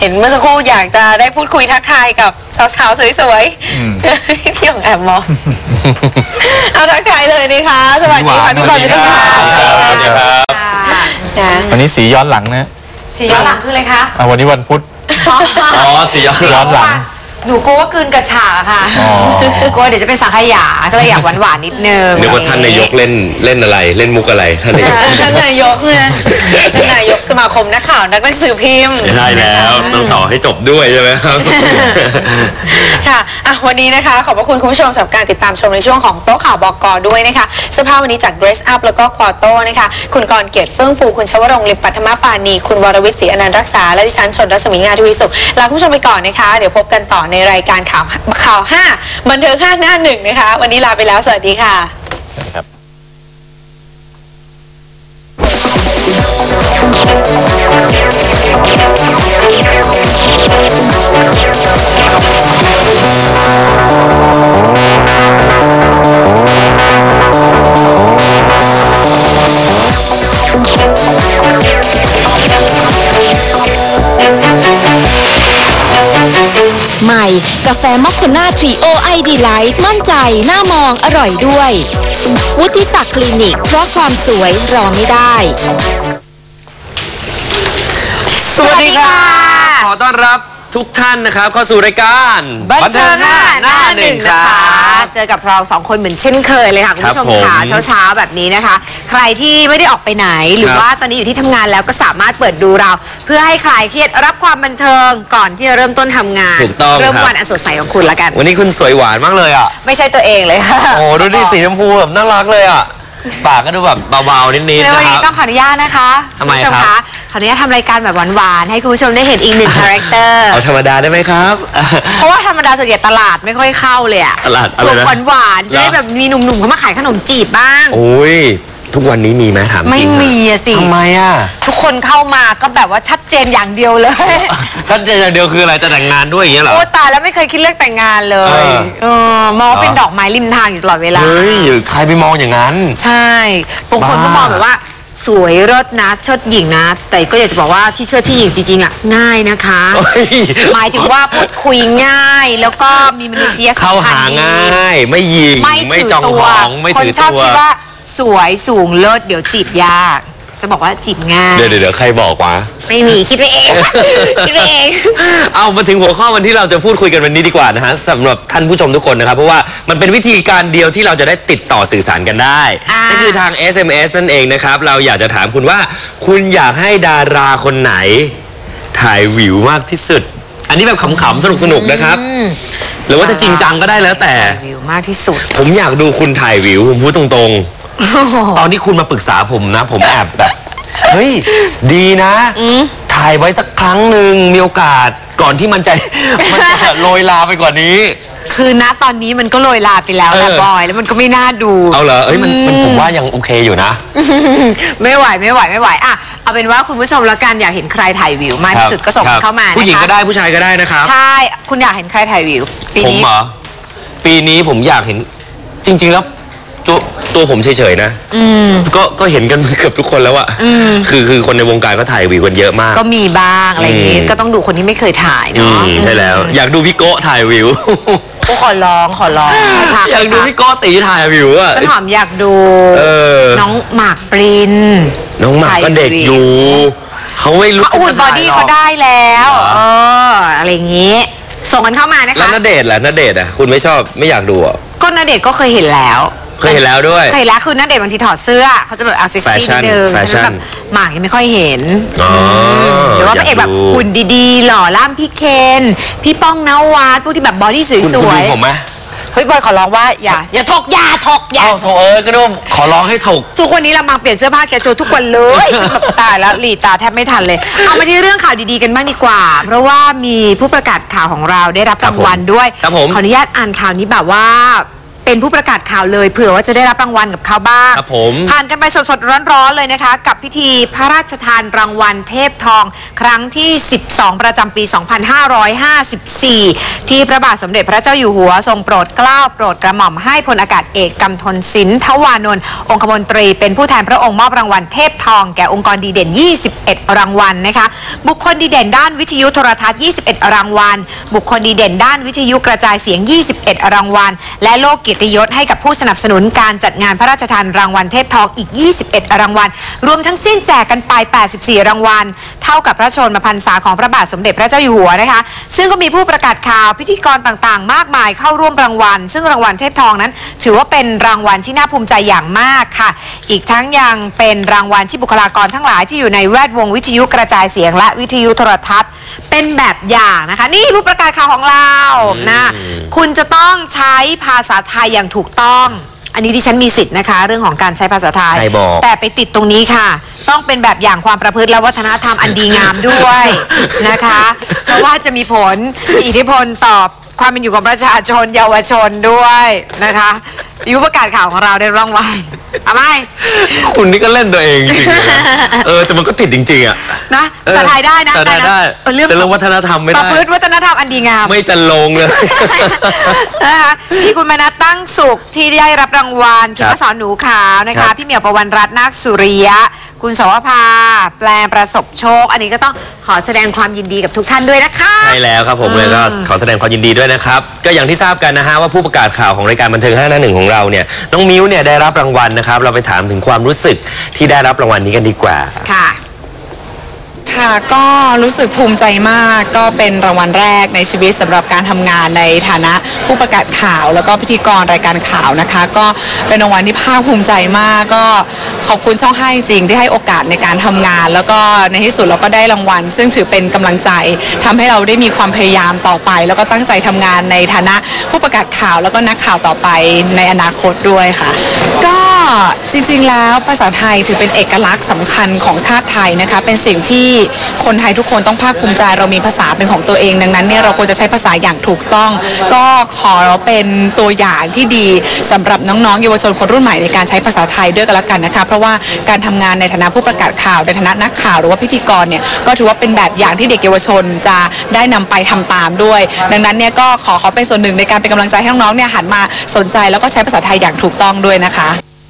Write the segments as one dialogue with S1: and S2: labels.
S1: เห็นเมื่อสักครู่อยากจะได้พูดคุยทักทายกับสาวๆสวยๆพี่ของแอบมองเอาทักทายเลยนะคะสวัสดีค่ะพี่บอลพี่ต้นค่ะ
S2: สวัสดีครับวันนี้สีย้อนหลังนะ
S1: สีย้อนหลังคืออะไรคะ
S2: วันนี้วันพุธสีย้อนหลัง
S1: หนูกลัวว่ากลืนกระฉากค่ะกลัวเดี๋ยวจะเป็นสังขยาก็เลยอยากหวานๆนิดนึง
S3: นึกว่าท่านนายกเล่นอะไรเล่นมุกอะไรท่านนายก
S1: ท่านนายกเนี่ยท่านนายกสมาคมนักข่าวนักหนังสือพิมพ์
S3: ได้แล้วต้องต่อให้จบด้วยใช่ไหมครับ
S1: ค่ะวันนี้นะคะขอบพระคุณคุณผู้ชมสำหรับการติดตามชมในช่วงของโต๊ะข่าวบก.ด้วยนะคะเสื้อผ้าวันนี้จาก Dress Up แล้วก็ควอโต้นะคะคุณกรเกียรติเฟื่องฟูคุณชวรงค์ลิมปัทมปานีคุณวรวิทย์ศรีอนันต์รักษาและดิฉันชนรัศมีงานทวีสุขลาคุณผู้ชมไปก่อนนะคะเดี๋ยวพบกันต่อในรายการข่าว5บันเทิง5 หน้า 1นะคะวันนี้ลาไปแล้วสวัสดีค่ะ
S4: ใหม่กาแฟมอคคาน่าทรีโอไอดีไลท์มั่นใจหน้ามองอร่อยด้วยวุฒิศักดิ์คลินิกเพราะความสวยรอไม่ได้
S3: สวัสดีค่ะขอต้อนรับทุกท่านนะครับเข้าสู่รายการ
S1: บันเทิง5 หน้า 1นะคะเจอกับเรา2คนเหมือนเช่นเคยเลยค่ะคุณผู้ชมค่ะเช้าๆแบบนี้นะคะใครที่ไม่ได้ออกไปไหนหรือว่าตอนนี้อยู่ที่ทำงานแล้วก็สามารถเปิดดูเราเพื่อให้คลายเครียดรับความบันเทิงก่อนที่จะเริ่มต้นทำงานเริ่มวันอันสดใสของคุณละกัน
S3: วันนี้คุณสวยหวานมากเลยอ่ะ
S1: ไม่ใช่ตัวเองเลยค่ะ
S3: โอ้ดูดิสีชมพูแบบน่ารักเลยอ่ะปากก็ดูแบบเบาๆนิดๆนะครับ
S1: วันนี้ต้องขออนุญาตนะคะ
S3: ทำไมครับ
S1: ขออนุญาตทำรายการแบบหวานๆให้คุณผู้ชมได้เห็นอีกหนึ่งคาแรคเตอร์
S3: เอาธรรมดาได้ไหมครับ
S1: เพราะว่าธรรมดาส่วนใหญ่ตลาดไม่ค่อยเข้าเลยอะ
S3: ตลาดอะไรนะ
S1: หวานๆจะได้แบบมีหนุ่มๆเขามาขายขนมจีบบ้าง
S3: โอ้ยทุกวันนี้มีไหมถามจริง
S1: ไม่มีอะสิ
S3: ทำไมอะ
S1: ทุกคนเข้ามาก็แบบว่าชัดเจนอย่างเดียวเลย
S3: ชัดเจนอย่างเดียวคืออะไรจะแต่งงานด้วยอย่างเงี้ยเหรอ
S1: โอ้ตายแล้วไม่เคยคิดเรื่องแต่งงานเลยมองเป็นดอกไม้ริมทางอยู่ตลอดเวลา
S3: เฮ้ยใครไปมองอย่างนั้น
S1: ใช่บางคนก็มองแบบว่าสวยรสนะเชิดหญิงนะแต่ก็อยากจะบอกว่าที่เชิดที่หญิงจริงๆอ่ะง่ายนะคะหมายถึงว่าพูดคุยง่ายแล้วก็มีมนุษยสัมพันธ์
S3: เข้าหาง่ายไม่หยิงไม่จองหองไม่ถือตัวคน
S1: ชอบคิดว่าสวยสูงเลิศเดี๋ยวจีบยากจะบอกว่าจีบง่าย
S3: เดี๋ยวใครบอกวะ
S1: ไม่มีคิดไปเองคิดไปเอง
S3: เอามาถึงหัวข้อวันที่เราจะพูดคุยกันวันนี้ดีกว่านะฮะสำหรับท่านผู้ชมทุกคนนะครับเพราะว่ามันเป็นวิธีการเดียวที่เราจะได้ติดต่อสื่อสารกันได้นั่นคือทาง SMS นั่นเองนะครับเราอยากจะถามคุณว่าคุณอยากให้ดาราคนไหนถ่ายวิวมากที่สุดอันนี้แบบขำๆสนุกๆนะครับหรือว่าจะจริงจังก็ได้แล้วแต่
S1: วิวมากที่สุด
S3: ผมอยากดูคุณถ่ายวิวผมพูดตรงๆตอนที่คุณมาปรึกษาผมนะผมแอบแบบเฮ้ยดีนะถ่ายไว้สักครั้งหนึ่งมีโอกาสก่อนที่มันจะโรยลาไปกว่านี้
S1: คือณตอนนี้มันก็โรยลาไปแล้วนะบอยแล้วมันก็ไม่น่าดู
S3: เอาเหรอมันผมว่ายังโอเคอยู่นะ
S1: ไม่ไหวอ่ะเอาเป็นว่าคุณผู้ชมแล้วกันอยากเห็นใครถ่ายวิวมากที่สุดก็ส่งเข้ามา
S3: ผู้หญิงก็ได้ผู้ชายก็ได้นะครับ
S1: ใช่คุณอยากเห็นใครถ่ายวิวปีนี้
S3: ผมเหรอปีนี้ผมอยากเห็นจริงๆแล้วตัวผมเฉยๆนะก็เห็นกันเกือบทุกคนแล้วอะคือคนในวงการก็ถ่ายวิวกันเยอะมาก
S1: ก็มีบ้างอะไรอย่างงี้ก็ต้องดูคนที่ไม่เคยถ่ายเนาะ
S3: ใช่แล้วอยากดูพี่โก้ถ่ายวิว
S1: ก็ขอร้อง
S3: อยากดูพี่โก้ตีถ่ายวิวอะ
S1: ต้นหอมอยากดูน้องหมากปริน
S3: น้องหมากก็เด็กอยู่เขาไม่รู้
S1: อุ่นบอดี้เขาได้แล้วอะไรอย่างงี้ส่งกันเข้ามานะคะ
S3: แล้วณเดชน์ล่ะณเดชน์อะคุณไม่ชอบไม่อยากดูอ่ะ
S1: ก็ณเดชน์ก็เคยเห็นแล้ว
S3: ด้วย
S1: เคยแล้วคือณเดชน์บางทีถอดเสื้อเขาจะแบบเซ็กซี่นิดนึงแบบหมากยังไม่ค่อยเห็นหรือว่าพระเอกแบบหุ่นดีๆหล่อล่ำพี่เคนพี่ป้องนวัดพวกที่แบบบอดี้สวยๆ
S3: คุณผมไหม
S1: เฮ้ยบอยขอร้องว่าอย่าถก
S3: โถก็นุ่มขอร้องให้ถก
S1: ทุกวันนี้เรามาเปลี่ยนเสื้อผ้าแกโชว์ทุกวันเลยตายแล้วหลีตาแทบไม่ทันเลยเอามาที่เรื่องข่าวดีๆกันบ้างดีกว่าเพราะว่ามีผู้ประกาศข่าวของเราได้รับรางวัลด้วยขออนุญาตอ่านข่าวนี้แบบว่า
S5: เป็นผู้ประกาศข่าวเลยเผื่อว่าจะได้รับรางวัลกับเขาบ้าง
S3: ครับผม
S5: ผ่านกันไปสดๆร้อนๆเลยนะคะ กับพิธีพระราชทานรางวัลเทพทองครั้งที่ 12 ประจำปี 2554 ที่พระบาทสมเด็จพระเจ้าอยู่หัวทรงโปรดเกล้าโปรดกระหม่อมให้พลอากาศเอกกำธลสินทวานนท์องคมนตรีเป็นผู้แทนพระองค์มอบรางวัลเทพทองแก่องค์กรดีเด่น 21 รางวัลนะคะบุคคลดีเด่นด้านวิทยุโทรทัศน์ 21 รางวัลบุคคลดีเด่นด้านวิทยุกระจายเสียง 21 รางวัลและโล่เกียรติยศให้กับผู้สนับสนุนการจัดงานพระราชทานรางวัลเทพทองอีก 21 รางวัลรวมทั้งสิ้นแจกกันไป 84 รางวัลเท่ากับพระชนมพรรษาของพระบาทสมเด็จพระเจ้าอยู่หัวนะคะซึ่งก็มีผู้ประกาศข่าวพิธีกรต่างๆมากมายเข้าร่วมรางวัลซึ่งรางวัลเทพทองนั้นถือว่าเป็นรางวัลที่น่าภูมิใจอย่างมากค่ะอีกทั้งยังเป็นรางวัลที่บุคลากรทั้งหลายที่อยู่ในแวดวงวิทยุกระจายเสียงและวิทยุโทรทัศน์เป็นแบบอย่างนะคะนี่ผู้ประกาศข่าวของเรานะคุณจะต้องใช้ภาษาไทยอย่างถูกต้องอันนี้ดิฉันมีสิทธิ์นะคะเรื่องของการใช้ภาษาไทยแต่ไปติดตรงนี้ค่ะต้องเป็นแบบอย่างความประพฤติและวัฒนธรรมอันดีงามด้วยนะคะเพราะว่าจะมีผลมีอิทธิพลต่อความเป็นอยู่ของประชาชนเยาวชนด้วยนะคะยุประกาศข่าวของเราได้รางวัลเอาไหม
S3: คุณนี่ก็เล่นตัวเองจริงๆนะแต่มันก็ติดจริงๆอ่ะ
S5: นะภาษาไทยได้นะ
S3: ได้
S5: เรื่อง
S3: วัฒนธรรมไม่ได้
S5: ประพฤติวัฒนธรรมอันดีงาม
S3: ไม่จะลงเลย
S5: นะคะที่คุณมนัสตั้งสุขที่ได้รับรางวัลคุณสอนหนูขาวนะคะพี่เหมียวประวันรัตน์นาคสุริยะคุณสวภาแปลประสบโชคอันนี้ก็ต้องขอแสดงความยินดีกับทุกท่านด้วยนะคะ
S3: ใช่แล้วครับผมเลยก็ขอแสดงความยินดีด้วยนะครับก็อย่างที่ทราบกันนะฮะว่าผู้ประกาศข่าวของรายการบันเทิง551ของเราเนี่ยน้องมิ้วเนี่ยได้รับรางวัลนะครับเราไปถามถึงความรู้สึกที่ได้รับรางวัลนี้กันดีกว่า
S5: ค่ะ
S6: ก็รู้สึกภูมิใจมากก็เป็นรางวัลแรกในชีวิตสำหรับการทำงานในฐานะผู้ประกาศข่าวแล้วก็พิธีกรรายการข่าวนะคะก็เป็นรางวัลที่ภาคภูมิใจมากก็ขอบคุณช่อง5จริงที่ให้โอกาสในการทำงานแล้วก็ในที่สุดเราก็ได้รางวัลซึ่งถือเป็นกำลังใจทำให้เราได้มีความพยายามต่อไปแล้วก็ตั้งใจทำงานในฐานะผู้ประกาศข่าวแล้วก็นักข่าวต่อไปในอนาคตด้วยค่ะก็จริงๆแล้วภาษาไทยถือเป็นเอกลักษณ์สำคัญของชาติไทยนะคะเป็นสิ่งที่คนไทยทุกคนต้องภาคภูมิใจเรามีภาษาเป็นของตัวเองดังนั้นเนี่ยเราควรจะใช้ภาษาอย่างถูกต้องก็ขอเป็นตัวอย่างที่ดีสำหรับน้องๆเยาวชนคนรุ่นใหม่ในการใช้ภาษาไทยด้วยกันละกันนะคะเพราะว่าการทำงานในฐานะผู้ประกาศข่าวในฐานะนักข่าวหรือว่าพิธีกรเนี่ยก็ถือว่าเป็นแบบอย่างที่เด็กเยาวชนจะได้นำไปทำตามด้วยดังนั้นเนี่ยก็ขอเป็นส่วนหนึ่งในการเป็นกำลังใจให้น้องๆเนี่ยหันมาสนใจแล้วก็ใช้ภาษาไทยอย่างถูกต้องด้วยนะคะ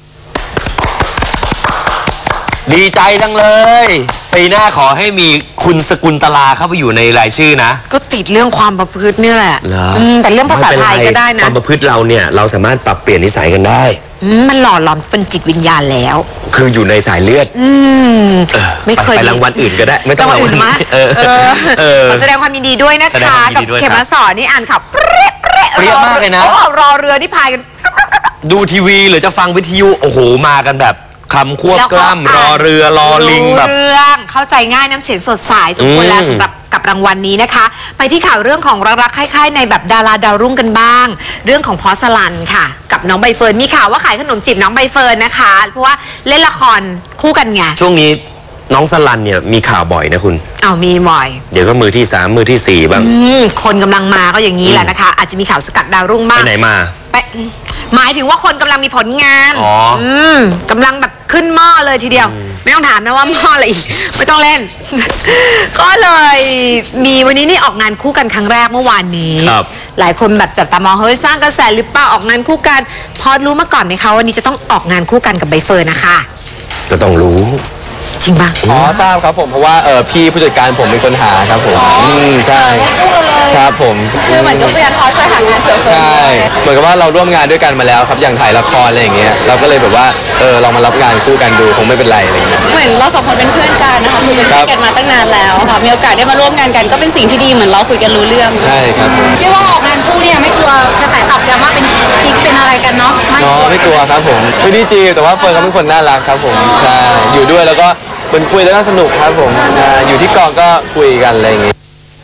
S3: ดีใจจังเลยปีหน้าขอให้มีคุณสกุลตลาเข้าไปอยู่ในรายชื่อนะ
S5: ก็ติดเรื่องความประพฤตินี่แหละแต่เรื่องภาษาไทยก็ได้นะ
S3: ความประพฤติเราเนี่ยเราสามารถปรับเปลี่ยนนิสัยกันได้
S5: มันหล่อหลอมเป็นจิตวิญญาณแล้ว
S3: คืออยู่ในสายเลือด
S5: ไม่เคย
S3: ไปรางวัลอื่นก็ได้ไม่ต้องรางวัล
S5: มาขอแสดงความยินดีด้วยนะคะกับเขมสอนนี่อ่านข่าวเปรี้ย
S3: มากเลยนะ
S5: รอเรือที่พายกัน
S3: ดูทีวีหรือจะฟังวิทยุโอ้โหมากันแบบคำควบกล้ำรอเรือรอลิงแบบ
S5: เรื่องเข้าใจง่ายน้ำเสียงสดใสสมควรแล้วสำหรับกับรางวัลนี้นะคะไปที่ข่าวเรื่องของรักๆคล้ายๆในแบบดาราดาวรุ่งกันบ้างเรื่องของพอสลันค่ะกับน้องใบเฟิร์นมีข่าวว่าขายขนมจีบน้องใบเฟิร์นนะคะเพราะว่าเล่นละครคู่กันไง
S3: ช่วงนี้น้องสลันเนี่ยมีข่าวบ่อยนะคุณ
S5: มีบ่อย
S3: เดี๋ยวก็มือที่3มือที่4บ้าง
S5: คนกำลังมาก็อย่างนี้แหละนะคะอาจจะมีข่าวสกัดดาวรุ่งบ้าง
S3: ไปไหนมา
S5: หมายถึงว่าคนกำลังมีผลงานกำลังแบบขึ้นหม้อเลยทีเดียวไม่ต้องถามนะว่าหม้ออะไรอีกไม่ต้องเล่น ก็เลยมีวันนี้นี่ออกงานคู่กันครั้งแรกเมื่อวานนี้หลายคนแบบจับตามองเฮ้ยสร้างกระแสหรือเปล่าออกงานคู่กันพอรู้มาก่อนไหมคะวันนี้จะต้องออกงานคู่กันกับใบเฟิร์นนะคะ
S3: ก็ต้องรู้
S5: จริงป่ะ
S2: ทราบครับผมเพราะว่าพี่ผู้จัดการผมเป็นคนหาครับผมใช่ครับผม
S1: คือเหมือนกับผู้จัดการเขาช่วยหางานเสริม
S2: ใช่เหมือนกับว่าเราร่วมงานด้วยกันมาแล้วครับอย่างถ่ายละครอะไรอย่างเงี้ยเราก็เลยแบบว่าลองมารับงานคู่กันดูคงไม่เป็นไรอะไรเงี้ย
S1: เหมือนเราสองคนเป็นเพื่อนกันนะคะคือเป็นเพื่อนกันมาตั้งนานแล้วค่ะมีโอกาสได้มาร่วมงานกันก็เป็นสิ่งที่ดีเหมือนเราคุยกันรู้เรื่อง
S2: ใช่ครับ
S1: เรียกว่าออกงานคู่เนี่ยไม่กลัวกระแสตอบรับว่าเป็นกิ๊กเป็นอะไรกันเนาะ
S2: ไม่กลัวครับผมคือดีจีแต่ว่าเฟิร์นเขาเป็นคนน่ารักครับผมใช่อยู่ด้วยแล้วก็เหมือนคุยแล้วก็สนุกครับผมอยู่ที่กองก็คุยกันอะไรอย่างเงี้ย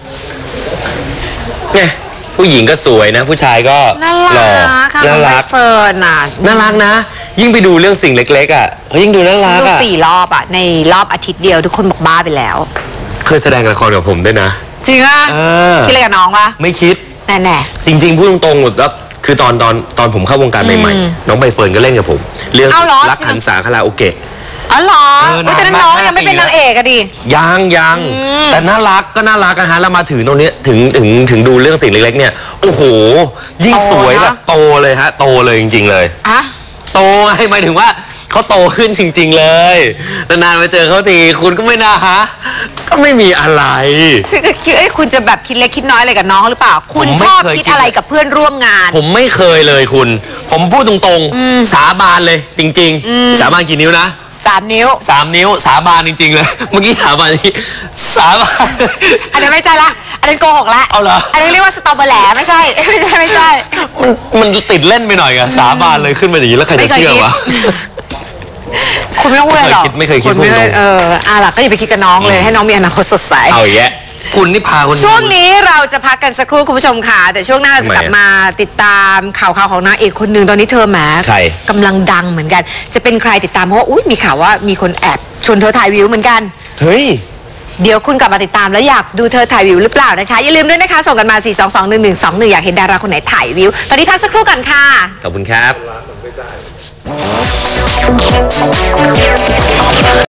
S3: เนี่ยผู้หญิงก็สวยนะผู้ชายก็หล่อน่ารัก
S5: เฟิร์น
S3: น่ารักนะยิ่งไปดูเรื่องสิ่งเล็กๆยิ่งดูน่ารัก
S5: 4 รอบในรอบอาทิตย์เดียวทุกคนบอกบ้าไปแล้ว
S3: เคยแสดงละครกับผมด้วยนะ
S5: จริงอ่ะคิดอะไรกับน้องวะ
S3: ไม่คิด
S5: แน่
S3: จริงๆพูดตรงๆแล้วคือตอนผมเข้าวงการใหม่ๆน้องใบเฟิร์นก็เล่นกับผมเรื่อง
S5: เอาเหรอ
S3: รักหันษาคาราโอเกะ
S5: อ๋อเหรอ
S3: เออ
S5: แต่นั้นน้องยังไม่เป็นนางเอกอะดิ
S3: ยังแต่น่ารักก็น่ารักนะฮะแล้วมาถึงตรงนี้ถึงดูเรื่องสิ่งเล็กๆเนี่ยโอ้โหยิ่งสวยแบบโตเลยฮะโตเลยจริงๆเลย
S5: อะ
S3: โตไงหมายถึงว่าเขาโตขึ้นจริงๆเลยนานๆมาเจอเขาทีคุณก็ไม่น่าฮะก็ไม่มีอะไร
S5: ฉันก็คิดคุณจะแบบคิดเล็กคิดน้อยอะไรกับน้องหรือเปล่า คุณ
S3: ผมไม่
S5: ชอบ
S3: เคย
S5: คิด
S3: คิด
S5: อะไรกับเพื่อนร่วมงาน
S3: ผมไม่เคยเลยคุณ ผมพูดตรงๆสาบานเลยจริงๆสาบานกี่นิ้วนะ
S5: 3 นิ้ว
S3: 3 นิ้วสาบานจริงๆเลยเมื่อกี้สาบานนี้สาบาน
S5: อันนั้นไม่ใช่ละอันนั้นโกหกละ
S3: เอาเหรอ
S5: อันนี้เรียกว่าสตอเบอร์แหลไม่ใช่ ไม่ใช่
S3: มันติดเล่นไปหน่อยอะสาบานเลยขึ้นมาอย่างนี้แล้วใครจะเชื่อวะ
S5: คุณไม่ต้องพูดหรอก
S3: ไม่เคยคิด
S5: ณไม่
S3: พูดตรง
S5: ล่ะก็อย่าไปคิดกับน้องเลย ให้น้องมีอนาคตสดใส
S3: เอาแยะคุณนี่พาคน
S5: ช่วงนี้เราจะพักกันสักครู่คุณผู้ชมค่ะ แต่ช่วงหน้าเราจะกลับมาติดตามข่าวของนางเอกคนหนึ่งตอนนี้เธอแหม
S3: ใคร
S5: กำลังดังเหมือนกัน จะเป็นใครติดตามเพราะว่ามีข่าวว่ามีคนแอบชวนเธอถ่ายวิวเหมือนกัน
S3: เฮ้ย
S5: เดี๋ยวคุณกลับมาติดตามแล้วอยากดูเธอถ่ายวิวหรือเปล่านะคะอย่าลืมด้วยนะคะส่งกันมา 4221121 อยากเห็นดาราคนไหนถ่ายวิวตอนนี้พักสักครู่กันค่ะ
S3: ขอบคุณครับ